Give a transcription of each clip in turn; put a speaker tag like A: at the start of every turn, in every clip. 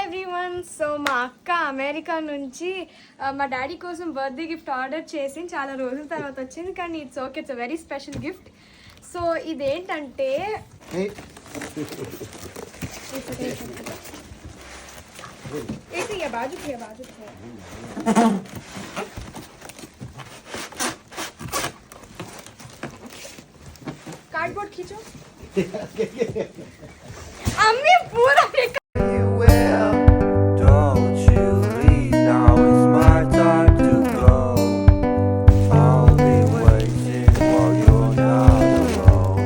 A: Everyone. So మా అక్క America నుంచి మా డాడీ కోసం బర్త్డే గిఫ్ట్ ఆర్డర్ చేసి చాలా రోజుల తర్వాత వచ్చింది, కానీ it's okay, it's very special gift. So ఇదేంటంటే బాజు कार्डबोर्ड खींचो. अम्मी पूरा
B: don't you leave, now it's my time to go. I'll be waiting while you're not alone.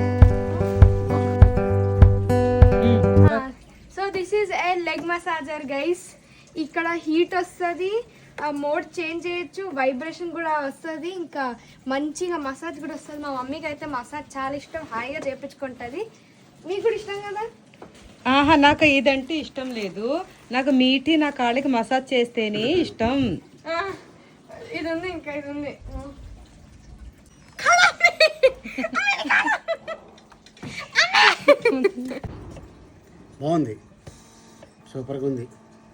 A: So this is a leg massager guys. ఇక్కడ heat వస్తుంది, mode change చేయొచ్చు, vibration కూడా వస్తుంది, ఇంకా మంచిగా మసాజ్ కూడా వస్తుంది. మా మమ్మీకి అయితే మసాజ్ చాలా ఇష్టం, హాయిగా చేపించుకుంటుంది. మీకు కూడా ఇష్టం కదా?
C: ఆహా, నాకు ఇదంటే ఇష్టం లేదు. నాకు మీటి నా కాళ్ళకి మసాజ్ చేస్తేనే ఇష్టం.
A: ఇది ఉంది, ఇంకా ఇది ఉంది.
D: బాగుంది, సూపర్గా ఉంది.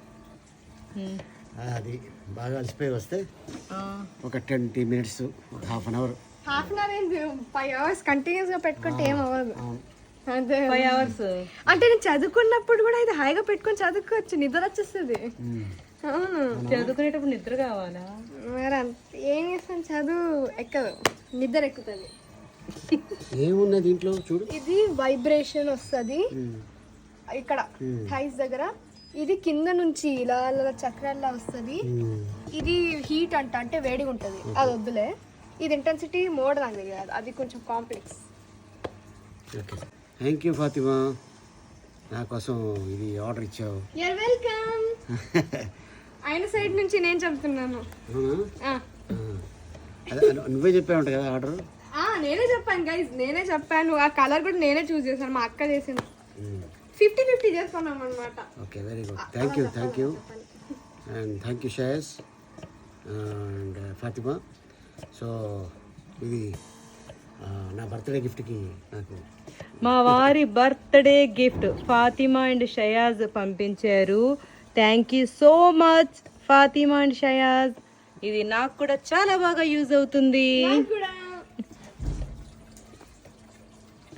D: అది బాగా అలసిపోయి వస్తే ఒక 20 minutes, హాఫ్ అన్ అవర్
A: ఏంది 5 hours కంటిన్యూస్ గా పెట్టుకుంటే ఏం అవ్వదు. అదే
C: 5 hours
A: అంటే నేను చదువుకున్నప్పుడు కూడా ఇది హాయిగా పెట్టుకొని చదువుకోవచ్చు, నిద్ర వచ్చేస్తుంది. అవును,
C: చదువుకునేటప్పుడు నిద్ర కావాలా?
A: మరి ఏం చేస్తాను, చదువు ఎక్కదు, నిద్ర ఎక్కుతుంది.
D: ఏమున్నది దీంట్లో చూడు.
A: ఇది వైబ్రేషన్ వస్తుంది ఇక్కడ థైస్ దగ్గర, ఇది కింద నుంచి ఇలా చక్రాల్లా వస్తుంది. ఇది హీట్ అంటే వేడిగా ఉంటుంది, అది వద్దులే. ఇది ఇంటెన్సిటీ మోడ్ నాకు తెలియదు, అది కొంచెం complex.
D: Okay, thank you Fatima, నా కోసం ఇది ఆర్డర్ ఇచ్చావు.
A: Your welcome. ఆయన సైడ్ నుంచి నేను చెప్తున్నాను.
D: అదే నువ్వే చెప్పావంట కదా ఆర్డర్.
A: నేనే చెప్పాను గైజ్, నేనే చెప్పాను. ఆ కలర్ కూడా నేనే చూస్ చేశాను, మా అక్క చేసింది. 50-50 చేసుకున్నాం అనమాట.
D: Okay, very good, thank you and thank you Shayas and Fatima. So ఇది నా బర్త్డే గిఫ్ట్కి నాకు
C: మా వారి birthday gift Fatima and Shayaz పంపించారు. Thank you so much Fatima and Shayaz. ఇది నాకు కూడా చాలా బాగా యూజ్ అవుతుంది.